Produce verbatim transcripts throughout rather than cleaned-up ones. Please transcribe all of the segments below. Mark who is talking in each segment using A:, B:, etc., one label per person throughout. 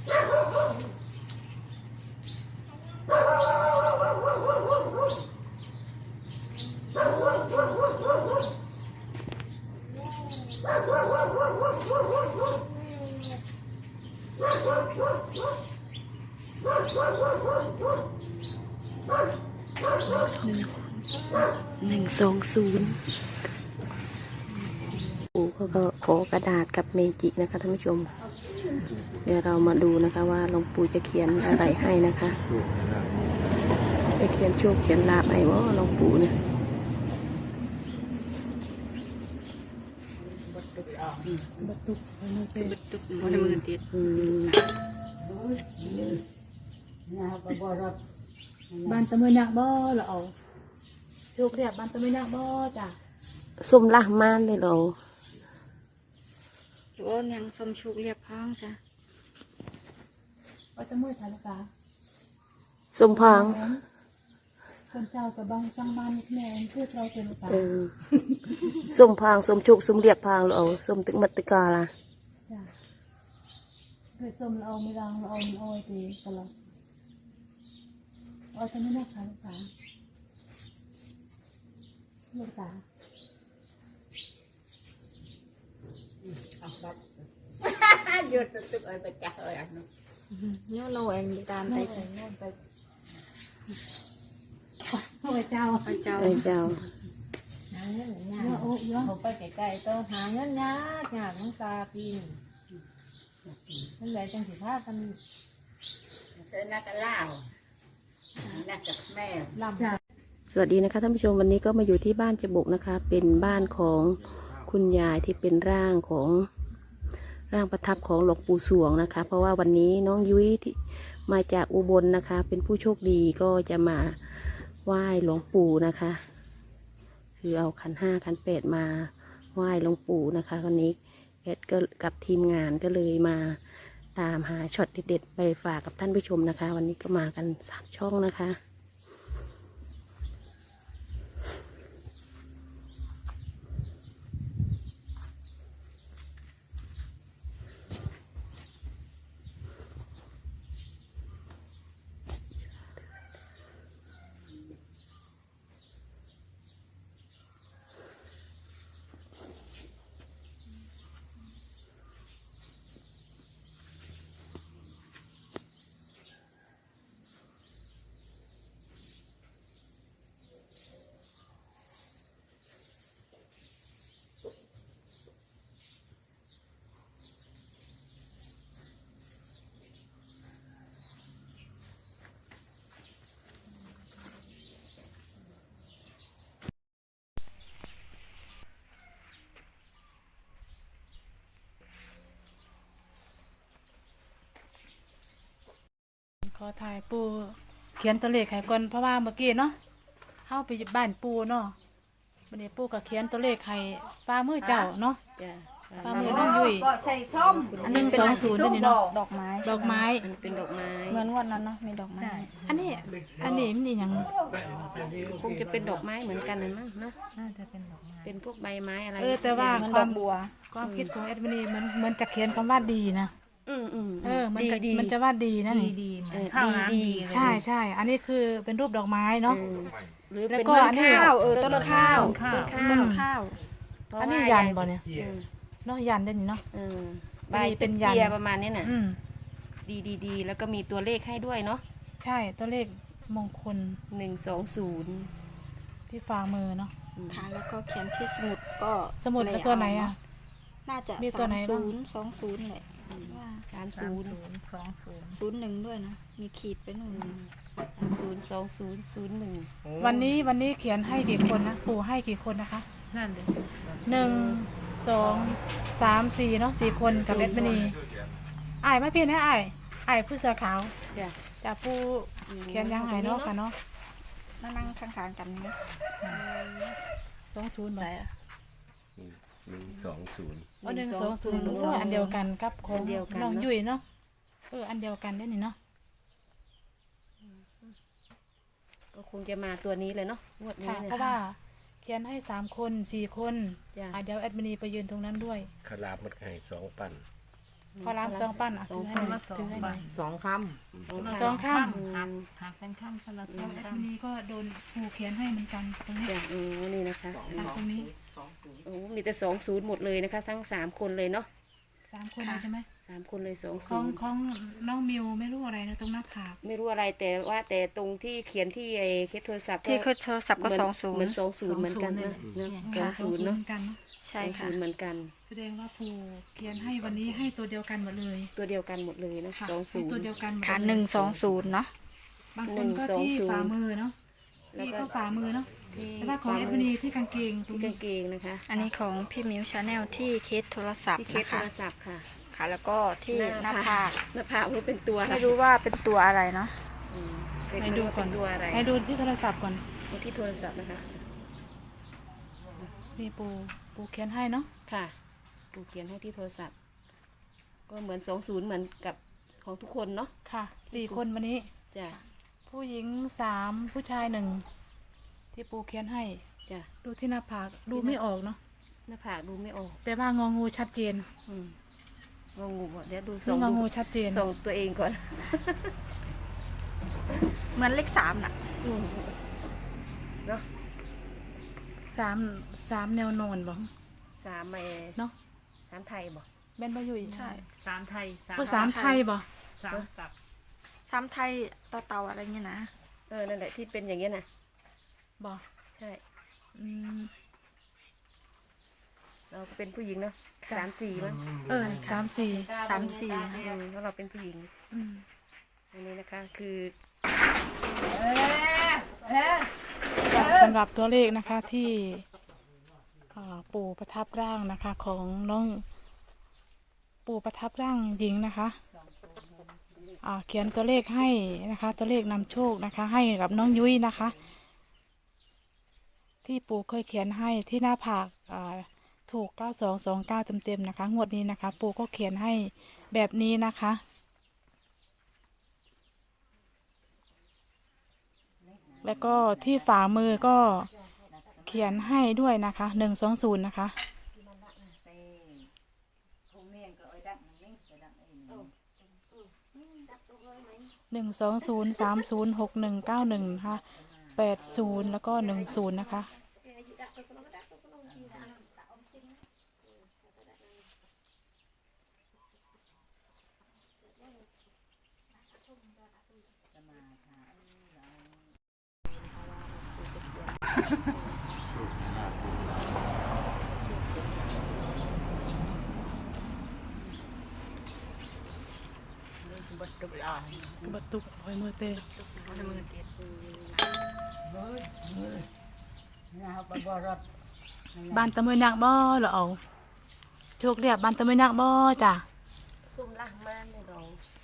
A: หนึ่งสองศูนย์ปู่ก็ขอกระดาษกับเมจินะคะท่านผู้ชมเดี๋ยวเรามาดูนะคะว่าหลวงปู่จะเขียนอะไรให้นะคะจะเขียนโชคเขียนลาภให้ว่าหลวงปู่เนี่ยบัตุกบัตุกบัตุกมือติด
B: บ้านตะมือนักบ่เราเอาโชคเรียบบ้านตะมือนักบ่จ้ะ
A: ส้มละมานเลยเรา
C: หรือว่ายังสมชุกเรียบพ้องจ้ะ
B: ว่าตะมือทานกา
A: ส้มพัง
B: คนเจ้ากับบางจังบ้านแม่เพื่อเราเป็นกา
A: ส้มพังส้มชุกส้มเรียบพังเราส้มตึกมัตตกาล่ะ
B: จ้ะเคยส้มเราไม่รังเราเอาเอาไว้ตีตลอดเอาตะมือนักทานกาลูกตา
D: หยุดตึกเอ้ยไปจับเอ้ยอันนู้น
C: เนี่ยเราเองตามไป
B: ไปพ่อเจ้า
C: พระเจ้า
A: พระเจ้า
D: หาเงินยากเขาไปไกลๆต้องหาเงินยากยากน้องตาปีนนั่นแหละจังสิพากันเจอนักเล่านักกับแม่ลำ
A: สวัสดีนะคะท่านผู้ชมวันนี้ก็มาอยู่ที่บ้านเจบกนะคะเป็นบ้านของคุณยายที่เป็นร่างของร่างประทับของหลวงปู่สวงนะคะเพราะว่าวันนี้น้องยุ้ยที่มาจากอุบลนะคะเป็นผู้โชคดีก็จะมาไหว้หลวงปู่นะคะคือเอาขันห้าขันแปดมาไหว้หลวงปู่นะคะวันนี้เอ็ดก็กับทีมงานก็เลยมาตามหาช็อตเด็ดๆไปฝากกับท่านผู้ชมนะคะวันนี้ก็มากันสามช่องนะคะ
B: ขอถ่ายปูเขียนตัวเลขให้ก่อนเพราะว่าเมื่อกี้เนาะเข้าไปบ้านปูเนาะวันนี้ปูก็เขียนตัวเลขให้ป้ามือเจ้าเนาะป้ามือน้องยุ้ย
D: ก็ใส่ส้ม
B: อันหนึ่งสองศูนย์นี่เนาะ
C: ดอกไม้
B: ดอกไม้
A: อันเป็นดอกไม้
C: เหมือนวันนั้นเนาะมีดอกไม้
B: อันนี้อันนี้มันนี่ยัง
A: คงจะเป็นดอกไม้เหมือนกันนะมั้งเนาะ
C: น่าจะเป็นดอกไม้
A: เป็นพวกใบไม้อะไร
B: เออแต่ว่า
C: ความบัว
B: ความคิดของแอดมินีมันมันจะเขียนคำว่าดีนะ
A: อืมอืม
B: เออมันจะมันจะว่าดีนะนี่
D: ดี
A: ดีดี
B: ใช่ใช่อันนี้คือเป็นรูปดอกไม้เนาะ
A: หรือเป็นต้นข้าวเออต้นข้าวต้นข้าว
C: ต้นข้าว
B: อันนี้ยันบ่เนี่ยเนาะยันได้นี่เนาะ
A: ใบเป็นยันประมาณนี้น่ะดีดีดีแล้วก็มีตัวเลขให้ด้วยเนาะ
B: ใช่ตัวเลขมงคล
A: หนึ่งสองศูนย์
B: ที่ฝ่ามือเนาะ
C: ค่ะแล้วก็เขียนที่สมุดก็
B: สมุดเป็นตัวไหนอ่ะ
C: น่าจะ
B: มีตัวไหนบ้าง
C: ศูนย์สองศูนย์เลย
A: สามศูนย์
D: สองศูนย์
C: ศูนย์หนึ่งด้วยนะมีขีดไปหนึ่ง
A: ศูนย์สองศูนย์ศูนย์หนึ่ง
B: วันนี้วันนี้เขียนให้กี่คนนะปู่ให้กี่คนนะคะ
D: นั่นเลย
B: หนึ่งสองสามสี่เนาะสี่คนกับเอ็ดมินีไอ้ไม่เพี้ยนนะไอ้ไอ้ผู้เสื้อขาวจะผู้เขียนยังไงเนาะกันเนาะ
C: นั่งข้างๆกันนะ
B: สองศูนย์ไหนอ่ะ
E: หนึ่งสองศูนย์
B: อ๋อหนึ่งสองศูนย์อันเดียวกันกับของน้องยุ้ยเนาะเอออันเดียวกันได้นี่เนาะ
A: ก็คงจะมาตัวนี้เลยเนาะงวดนี้
B: เพราะว่าเขียนให้สามคนสี่คนเดี๋ยวแอดมินีไปยืนตรงนั้นด้วย
E: ขลาบมันให้สองปัน
B: พอรามสองปั้นอ่ะถือให้หน่อยถือให้หน่อย
D: สองค
B: สองข้าง
D: ำหักหักเป็นคำคนละสอง
B: แอด
D: ค
B: มินีก็โดนผูเขียนให้เหมือนกันตรงนี้
A: จ้ะโอ้นี่นะคะ
B: อ่ะตรงนี้
A: โอ้มีแต่สองศูนย์หมดเลยนะคะ ทั้งสามคนเลยเนาะ
B: สามคนเลยใช่ไหม
A: สามคนเลยสอง
B: ข
A: ศู
B: อง
A: นย์
B: ของน้องมิวไม่รู้อะไรนะตรงหน้าผาก
A: ไม่รู้อะไรแต่ว่าแต่ตรงที่เขียนที่ไอ้เคสโทรศัพท์
C: ที่คือโทรศัพท์ก็
A: เหมื
C: สองศูน
A: เหมือน
C: ย์
A: สองศูนย์เหมือนกันนะสองศูนย์เนาะ
B: เหมือนกันเนอะ
C: ใช่
A: สอง
C: ค่ะ
A: ศูนย์เหมือนกัน
B: แสดงว่าผูเขียนให้วันนี้ให้ตัวเดียวกันหมดเลย
A: ตัวเดียวกันหมดเลยนะ
B: ค่ะ
A: สอง
B: ให้
A: ศูน
B: ตัว
A: ย์
B: เดียวกันมด
C: ค่ะ
B: เลย
C: หนึ่งสองศูนย์เนาะ
B: บางคนก็ที่ฝ่ามือเนาะ
A: แล้ว
B: พี่
A: ก็
B: ก็ฝ่ามือเนาะ
A: ที่
B: แต่ว่าของแอดมินีที่กางเกงตรง
A: ที่
B: นี้
A: กางเกงนะคะ
C: อันนี้ของพี่มิวชาแนลที่เคสโทรศัพท์
A: ที่เคส
C: นะ
A: โท
C: คะ
A: รศัพท์ค่ะ
C: ค่ะ แล้วก็ที่หน้าผาก
A: หน้าผากรู้เป็นตัวอะไร
C: ไม่รู้ว่าเป็นตัวอะไรเนาะ
A: อืมเป็น
B: ให้ดูก่อน
A: เป็นตัวอะไร
B: ให้ดูที่โทรศัพท์ก่อน
A: ดูที่โทรศัพท์นะคะ
B: นี่ปูปูเขียนให้เนาะ
A: ค่ะดูเขียนให้ที่โทรศัพท์ ก็เหมือนสองศูนย์เหมือนกับของทุกคนเนาะ
B: ค่ะสี่คนวันนี้
A: จ้ะ
B: ผู้หญิงสามผู้ชายหนึ่งที่ปูเขียนให้
A: จ้ะ
B: ดูที่หน้าผากดูไม่ออกเนาะ
A: หน้าผากดูไม่ออก
B: แต่ว่างองูชัดเจน
A: อืมงงงูเดี๋ยวดูส่
B: นี่
A: ง
B: งอ
A: ดู
B: งูชัดเจน
A: ส่งตัวเองก่อน
C: เหมือนเลขสามน่ะ
A: อืมเนาะ
B: สามสามแนวนอนบ่
A: สามเอ
B: เนาะ
A: สามไทยบ่
B: แม่นบ่อยู่อีก
C: ใช่
D: สามไทย
B: โอ้สามไทยบ่
D: สามกับ
C: สามไทยต่อเตาอะไรเงี้ยนะ
A: เออนั่นแหละที่เป็นอย่างเงี้ยนะ
B: บ่
A: ใช่
B: อืม
A: เราก็เป็นผู้หญิงเนาะสามสี่มั้ง
B: เออสามสี่
C: สามสี่
A: อืมเพราะเราเป็นผู้หญิง
B: อืม
A: อันนี้นะคะคือ
B: สำหรับตัวเลขนะคะที่อ่าปู่ประทับร่างนะคะ ของน้องปู่ประทับร่างหญิงนะคะอ่าเขียนตัวเลขให้นะคะ ตัวเลขนำโชคนะคะ ให้กับน้องยุ้ยนะคะ ที่ปู่เคยเขียนให้ที่หน้าผากอ่าถูกเก้าสองสองเก้าเต็มๆนะคะงวดนี้นะคะ ปู่ก็เขียนให้แบบนี้นะคะ แล้วก็ที่ฝ่ามือก็เขียนให้ด้วยนะคะหนึ่งสองศูนย์นะคะหนึ่งสองศูนย์สามศูนย์หกหนึ่งเก้าหนึ่งนะคะแปดศูนย์แล้วก็หนึ่งศูนย์นะคะ บัตตุกหอยมือเตะบ้านตะมือนักบ่เหรอเอาโชคเรียบบ้านตะมือนักบ่จ้ะ
A: ซุ่มล่างมากเลยเรา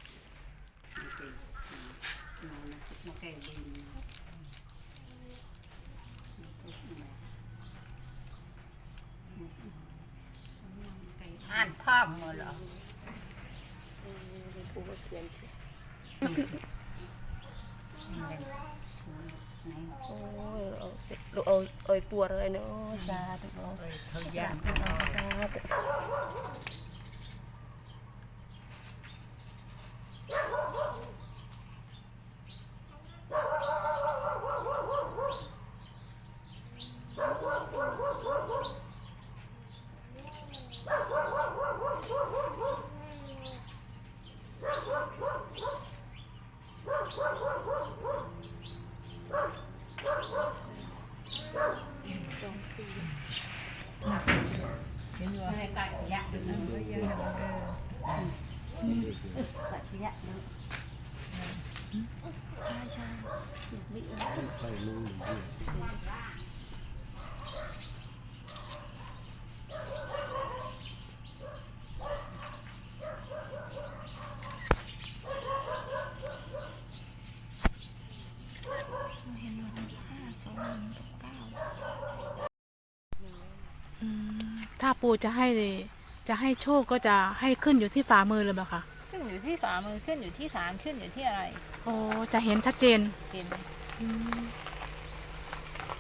D: อ่านภาพมาเหรอ
A: ปูก็เขียนโอ้ยเอาลูกเอาเอาปัวเลยเนาะสาธุเนาะ
D: เขายาก
A: สาธุ
B: อืมถ้าปู่จะให้จะให้โชคก็จะให้ขึ้นอยู่ที่ฝ่ามือเลยบ่คะ
D: ขึ้นอยู่ที่ฝ่ามือขึ้นอยู่ที่ฐานขึ้นอยู่ที่อะไร
B: โอ้จะเห็นชัดเจน
D: เห็น
B: อืม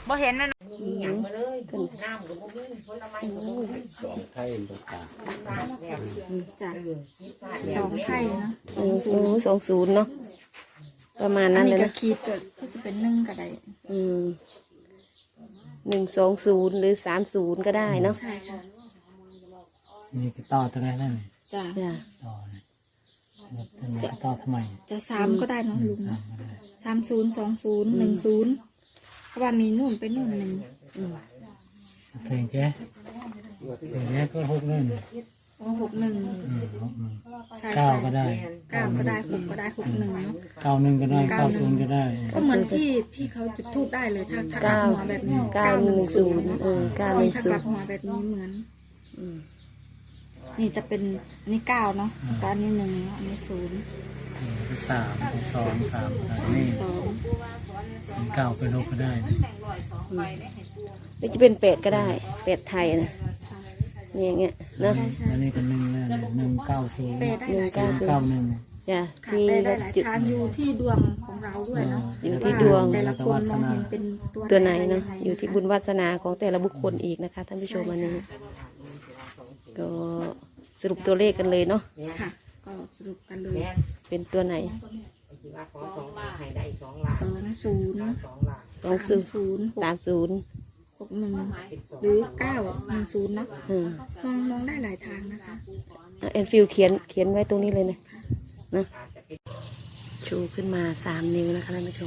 C: บ่เห็นเลย
D: อย่างมาเลยขึ้นน้ำกับพวกนี้ผลไม้กับพวกนี้
E: สองไทยตรงกลาง
C: จ้ะสองไข่เนาะ
A: โอ้โหสองศูนย์เนาะประมาณ
C: อั
A: นั้น น
C: นี้
A: เลย
C: ก็
A: นะ
C: ขีดก็ก็จะเป็นหนึ่งก็ได้
A: อืมหนึ่งสองศูนย์หรือสามศูนย์ก็ได้เนาะ
C: ใช่ค่ะ
F: นี่ก็ต่อตรงนั้นนั่นนี่
C: จ้ะ
A: จ้ะ
F: ต่อเลยแล้วทำไมก็ต่อทำไม
C: จะสามก็ได้เนาะลุง
F: สามก็ได้
C: สามศูนย์สองศูนย์หนึ่งศูนย์เพราะว่ามีนู่นไปนู่นหนึ่ง
F: เพลงเจ๊เพลงเจ๊ก็หกหนึ่ง
C: โอ้หกหนึ่ง
F: อืมหกหนึ่ง
C: ใช่
F: เก้า
C: ใช่
F: ก็ได้
C: เก้าก็ได้หกก็ได้หกหนึ่งเนาะ
F: เก้าหนึ่งก็ได้เก้าศูนย์ก็ได้
C: ก็เหมือนที่ที่เขาจุดทูบได้เลยถ้าถ้ากลับ
A: เก้า
C: หัวแบบนี้
A: เก้าหนึ่งศูนย์เออเก้าหนึ่ง
C: ถ้า
A: ศู
C: ก
A: น
C: ลับ
A: ย์
C: หัวแบบนี้เหมือน
A: อืม
C: นี่จะเป็นอันนี้เก้าเนาะแต่อันนี้หนึ่งอันนี้ศูนย์
F: อืมสามสองสามอันนี้
C: สอง
F: เก้าเป็นหกก็ได้
A: หรือจะเป็นเป็ดก็ได้เป็ดไทยนะนี่อย่างเงี้ยเนาะ
F: อันนี้ก็หนึ่งนั่นหนึ่งเก้าศูนย์
C: เปย์ได้หลาย
F: ศู
C: ทาง
F: นย์เก้าหนึ่ง
A: จ้ะ
C: ค่ะ
A: ที่
C: เปย์ได้หลาย
A: จุด
C: ทางอยู่ที่ดวงของเราด้วยเนาะ
A: อยู่ที่ดวง
C: แต่ละคนมองเห็นเป็นตัว
A: ตัวไหนเนาะ
C: ยังง
A: อยู่ที่บุญวาสนาของแต่ละบุคคลอีกนะคะท่านผู้ชมอันนี้ ก็สรุปตัวเลขกันเลยเนาะ
C: ค่ะ ก็สรุปกันเลย
A: เป็นตัวไหน
D: ที่ว่าขอสองล้านให้ได้สองล้าน
C: สองศูนย์
D: สองล้าน
A: สองศูนย์
C: ศูนย์หก
A: สามศูนย์
C: หกหนึ่งหรือเก้าหนึ่งศูนย์เนาะ
A: อืม
C: มองมองได้หลายทางนะคะ
A: เอาแอนฟิลเขียนเขียนไว้ตรงนี้เลยนะนะชูขึ้นมาสามนิ้วนะคะท่านผู้ชม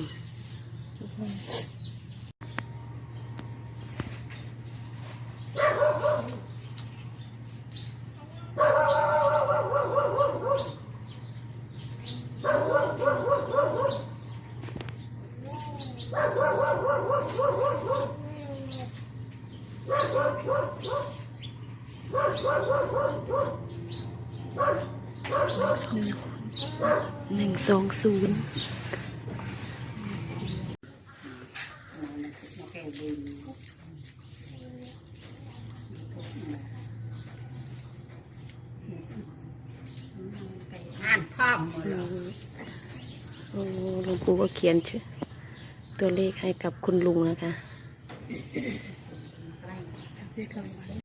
A: หนึ่งสองศูนย์
D: อ่านพร้อม
A: โอ้หลวงปู่ก็เขียนชื่อตัวเลขให้กับคุณลุงนะคะ